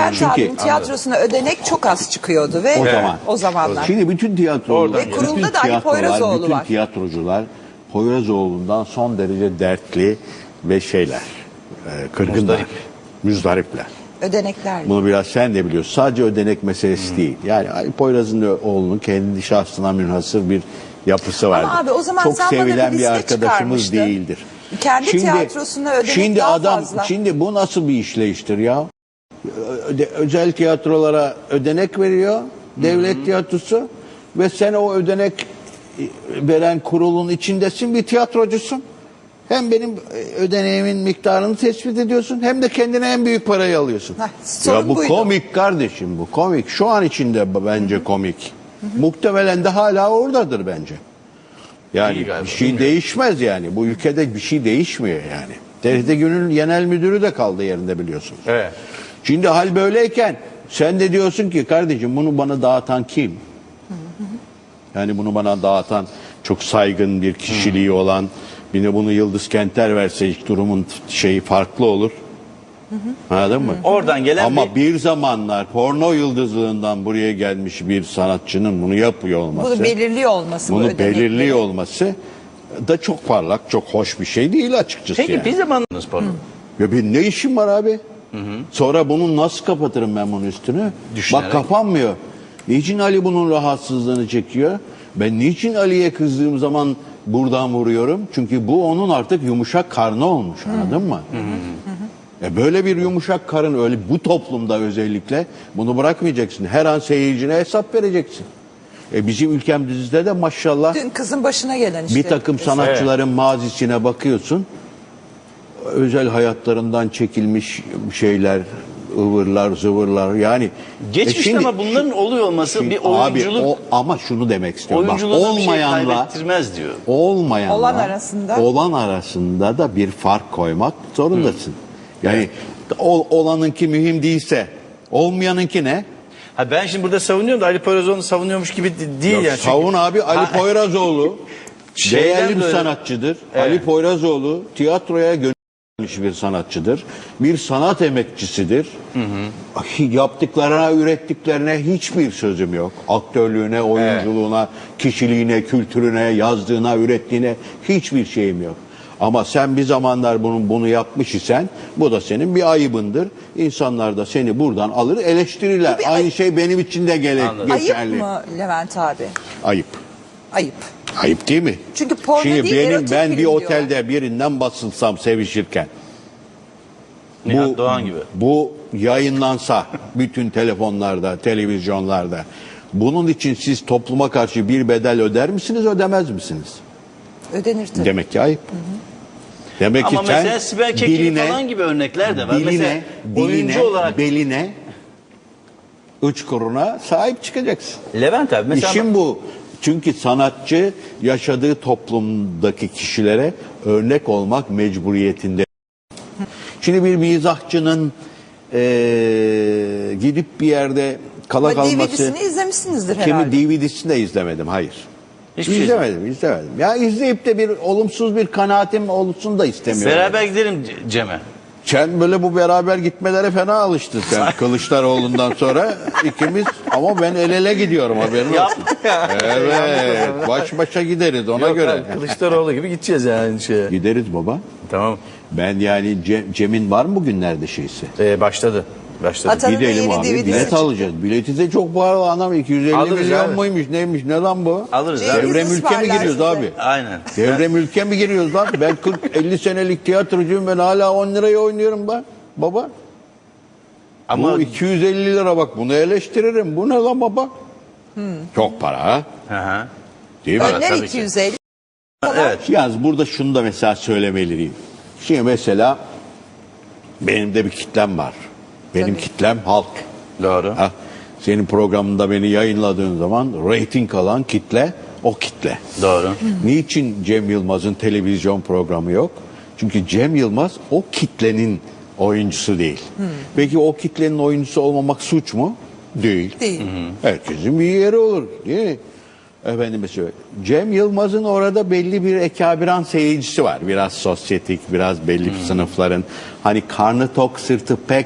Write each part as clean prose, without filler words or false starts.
Levent Çünkü- abinin tiyatrosuna ödenek çok az çıkıyordu ve o zamanlar. Şimdi bütün tiyatrocular, Ve kurulda da Ali Poyrazoğlu bütün var. tiyatrocular Poyrazoğlu'ndan son derece dertli ve kırgınlar, müzdaripler. Ödenekler. Bunu biraz sen de biliyorsun. Sadece ödenek meselesi değil. Yani Ali Poyraz'ın oğlunun kendi şahsına münhasır bir yapısı vardır. Ama abi o zaman çok sen bana sevilen bir bir liste arkadaşımız çıkarmıştın. değildir. Kendi tiyatrosuna ödenek daha fazla. Şimdi bu nasıl bir işleyiştir ya? Özel tiyatrolara ödenek veriyor devlet tiyatrosu ve sen o ödenek veren kurulun içindesin, bir tiyatrocusun. Hem benim ödeneğimin miktarını tespit ediyorsun hem de kendine en büyük parayı alıyorsun. Ya bu buydu. komik kardeşim, bu komik. Şu an içinde bence komik. Muhtemelen de hala oradadır bence. Yani bir şey değişmez yani. Bu ülkede bir şey değişmiyor yani. TRT Gün'ün genel müdürü de kaldı yerinde biliyorsunuz. Evet. Şimdi hal böyleyken sen de diyorsun ki kardeşim bunu bana dağıtan kim? Yani bunu bana dağıtan çok saygın bir kişiliği olan, bir de bunu Yıldız Kenter verse hiç durumun şeyi farklı olur. Anladın mı? Oradan gelen Ama bir zamanlar porno yıldızlığından buraya gelmiş bir sanatçının bunu yapıyor olması. Bunu belirliyor olması. bu Bunu ödenekleri. belirliyor olması da çok parlak, çok hoş bir şey değil açıkçası. Peki yani. bir zamanınız pardon. Ya benim ne işim var abi? Sonra bunu nasıl kapatırım ben bunun üstünü? Düşünerek. Bak kapanmıyor. Niçin Ali bunun rahatsızlığını çekiyor? Ben niçin Ali'ye kızdığım zaman buradan vuruyorum? Çünkü bu onun artık yumuşak karnı olmuş, anladın mı? Böyle bir yumuşak karın öyle bu toplumda özellikle bunu bırakmayacaksın. Her an seyircine hesap vereceksin. Bizim ülkemizde de maşallah Dün kızın başına gelen işte. bir takım sanatçıların mazisine bakıyorsun. Özel hayatlarından çekilmiş şeyler, ıvırlar, zıvırlar yani. Geçmişte şimdi- ama bunların oluyor olması şimdi bir oyunculuk abi, ama şunu demek istiyorum. Bak, oyunculuğuna bir şey olmayanla kaybettirmez diyor. olan arasında da bir fark koymak zorundasın. Yani olanınki mühim değilse olmayanınki ne? Ha ben şimdi burada savunuyorum da Ali Poyrazoğlu'nu savunuyormuş gibi değil Yok, yani. savun abi Ali Poyrazoğlu değerli bir böyle- sanatçıdır. Evet. Ali Poyrazoğlu tiyatroya gönülmüş bir sanatçıdır. Bir sanat emekçisidir. Yaptıklarına, ürettiklerine hiçbir sözüm yok. Aktörlüğüne, oyunculuğuna, kişiliğine, kültürüne, yazdığına, ürettiğine hiçbir şeyim yok. Ama sen bir zamanlar bunu yapmış isen bu da senin bir ayıbındır. İnsanlar da seni buradan alır eleştirirler. Aynı şey benim için de geçerli. Ayıp mı Levent abi? Ayıp. Ayıp. Ayıp değil mi? Çünkü porno Şimdi değil, erotik ben film bir diyorlar. otelde birinden basılsam sevişirken Nihat Doğan gibi. bu yayınlansa bütün telefonlarda, televizyonlarda bunun için siz topluma karşı bir bedel öder misiniz, ödemez misiniz? Ödenir tabii. Demek ki ayıp. Demek Ama ki sen mesela Sibel Kekilli falan gibi örnekler de var. Mesela oyuncu olarak beline, uçkuruna sahip çıkacaksın. Levent abi mesela İşin bu. Çünkü sanatçı yaşadığı toplumdaki kişilere örnek olmak mecburiyetinde. Şimdi bir mizahçının gidip bir yerde kala Ama kalması... DVD'sini izlemişsinizdir herhalde. Kimi DVD'sini de izlemedim, hayır. Hiçbir şey izlemedim. Ya izleyip de bir olumsuz bir kanaatim olsun da istemiyorum. beraber gidelim Cem'e. Sen böyle bu beraber gitmelere fena alıştın sen Kılıçdaroğlu'ndan sonra ikimiz ama ben el ele gidiyorum haberin olsun. Evet baş başa gideriz ona göre. Kılıçdaroğlu gibi gideceğiz yani şeye. Gideriz baba. Tamam. Ben yani Cem'in var mı bugünlerde şeysi? Başladı. Atanın da Gidelim yeni abi DVD'si bilet çıktı. alacağız. Bileti de çok pahalı anam 250 Alırız milyon abi. muymuş neymiş ne lan bu? Alırız Cengiz abi. Devre mülke mi ısmarlar giriyoruz size. abi? Aynen. Devre mülke mi giriyoruz lan? Ben 40-50 senelik tiyatrocuyum ben hala 10 liraya oynuyorum ben baba. Ama Bu 250 lira bak bunu eleştiririm. Bu ne lan baba? Çok para ha? Hı. Değil mi? Önler tabii ki. 250. Evet. Yalnız burada şunu da mesela söylemeliyim. Şimdi mesela benim de bir kitlem var. Benim Tabii. kitlem halk. Doğru. Ha, senin programında beni yayınladığın zaman reyting alan kitle o kitle. Doğru. Niçin Cem Yılmaz'ın televizyon programı yok? Çünkü Cem Yılmaz o kitlenin oyuncusu değil. Peki o kitlenin oyuncusu olmamak suç mu? Değil. Değil. Herkesin bir yeri olur değil mi? Efendim mesela Cem Yılmaz'ın orada belli bir ekabiran seyircisi var. Biraz sosyetik, biraz belli bir sınıfların. Hani karnı tok, sırtı pek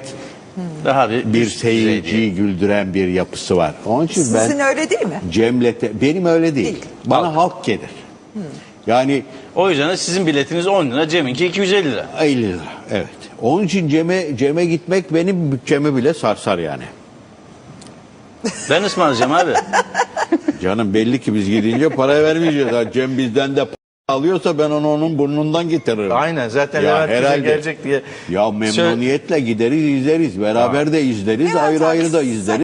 Daha bir üst düzey seyirciyi diye. güldüren bir yapısı var. Onun için Sizin ben öyle değil mi? benim öyle değil. Değil. Bana halk gelir. Yani O yüzden de sizin biletiniz 10 lira, Cem'inki 250 lira. 50 lira. Evet. Onun için Cem'e gitmek benim bütçemi bile sarsar yani. Ben ısmarlayacağım abi. Canım belli ki biz gidince para vermeyeceğiz. Ha, Cem bizden de alıyorsa ben onu onun burnundan getiririm. Aynen, zaten Ya Levent bize herhalde. gelecek diye. Ya memnuniyetle gideriz izleriz. Beraber de izleriz. Ayrı ayrı da izleriz.